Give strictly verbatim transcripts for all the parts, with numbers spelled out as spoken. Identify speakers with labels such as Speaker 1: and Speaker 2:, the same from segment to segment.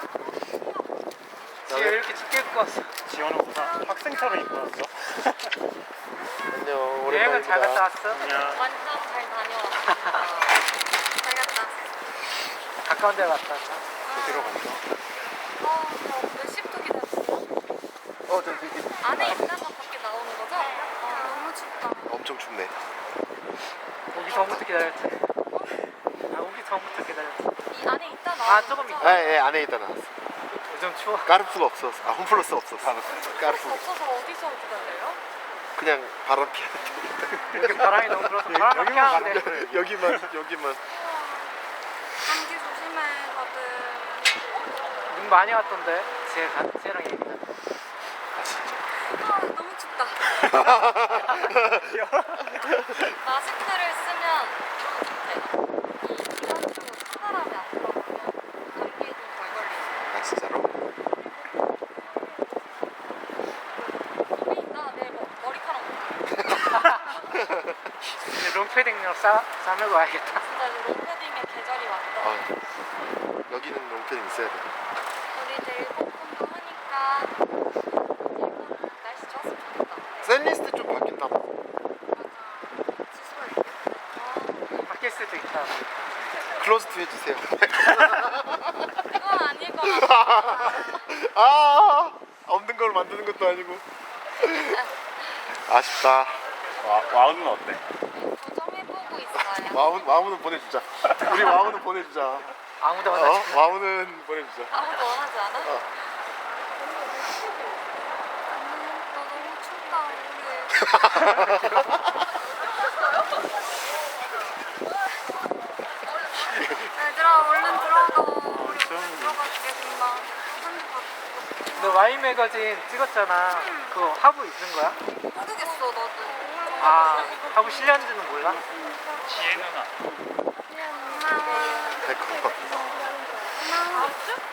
Speaker 1: 지금 이렇게 춥게 입고 왔어.
Speaker 2: 지원은 우산 학생처럼 입고 왔어.
Speaker 3: 안녕.
Speaker 1: 여행은 잘 갔다 왔어?
Speaker 2: 안녕.
Speaker 4: 완전 잘 다녀왔어. 잘 갔다 왔어.
Speaker 1: 가까운 데 갔다 왔나?
Speaker 2: 어디로 갔어?
Speaker 4: 어, 몇 시부터 기다렸어?
Speaker 3: 어, 저 되게
Speaker 4: 안에 있다가 밖에 나오는 거죠? 아, 너무 춥다.
Speaker 3: 엄청 춥네.
Speaker 1: 오기 전부터 기다렸지. 아, 오기 전부터 기다렸지.
Speaker 4: 이 안에 있다 나오는
Speaker 1: 아, 조금
Speaker 4: 거죠?
Speaker 1: 있다.
Speaker 3: 예, 예, 안에 있다 나왔어.
Speaker 1: 요즘 추워.
Speaker 3: 까르푸가 없었어. 아, 홈플러스가 없었어.
Speaker 4: 수
Speaker 3: 까르푸.
Speaker 4: 없어서 어디서 기다려요?
Speaker 3: 그냥 바람 피하는데.
Speaker 1: 여기 바람이 너무 불어서 바람 막
Speaker 2: 여기만 가는
Speaker 1: 피하는데.
Speaker 2: 거예요.
Speaker 3: 여기만, 여기만.
Speaker 4: 감기 조심해 다들.
Speaker 1: 눈 많이 왔던데. 제 쟤랑 얘기는.
Speaker 3: 아, 진짜.
Speaker 4: 아, 너무 춥다. 마스크를 쓰면 네, 이 이산적으로 찬바람이 안 들어오면 감기에도 덜 걸리죠.
Speaker 3: 아, 진짜로?
Speaker 4: 여기 있다. 내 머- 머리카락 먹어.
Speaker 1: 이제 롱패딩으로 싸, 싸매고 와야겠다.
Speaker 4: 진짜 롱패딩의 계절이 왔다.
Speaker 3: 아, 여기는 롱패딩 있어야 돼.
Speaker 4: 우리 이제 일본 분도 하니까 일본 날씨 좋았으면 좋겠다.
Speaker 3: 샌리스트 좀 바뀐다.
Speaker 4: 맞아. 지수가 있대.
Speaker 1: 바뀔 수도 있다.
Speaker 3: 클로즈트 해주세요.
Speaker 4: 그건 아닐 것 같아.
Speaker 3: 아, 없는 걸 만드는 것도 아니고. 아쉽다.
Speaker 2: 와, 와우는 어때?
Speaker 4: 조정해보고 있어요.
Speaker 3: 와우, 와우는 보내주자. 우리 와우는 보내주자.
Speaker 1: 아무도
Speaker 3: 어?
Speaker 1: 만나지.
Speaker 3: 와우는 보내주자.
Speaker 4: 아무도 원하지 않아?
Speaker 3: 어.
Speaker 4: 음, 나 너무 춥다. 우리. 얘들아 얼른 들어가. 우리 얼른 들어갈게 금방. 한대 받고.
Speaker 1: 너 와인 매거진 찍었잖아. 그거 하부 있는 거야?
Speaker 4: 모르겠어 나도.
Speaker 1: 아, 하부 실렸는지는 몰라?
Speaker 2: 지혜 누나.
Speaker 4: 고마워.
Speaker 3: 달콤.
Speaker 4: 고마워.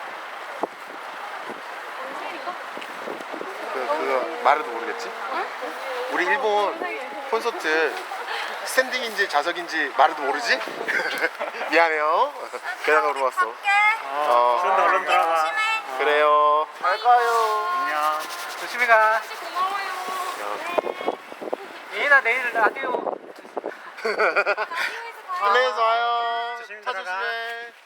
Speaker 3: 그, 그거 말해도 모르겠지? 우리 일본 콘서트 스탠딩인지 좌석인지 말해도 모르지? 미안해요. 그냥 으로 왔어.
Speaker 4: 갈게.
Speaker 3: 어.
Speaker 2: 좀 더 얼른 들어가.
Speaker 4: 조심해.
Speaker 3: 그래요. 잘 가요.
Speaker 2: 안녕.
Speaker 1: 조심히 가.
Speaker 4: 진짜 고마워요.
Speaker 1: 예인아 내일 라디오.
Speaker 4: 라디오에서 봐요.
Speaker 3: 플레이에서 와요.
Speaker 2: 조심히
Speaker 3: 차
Speaker 2: 들어가.
Speaker 3: 조심해.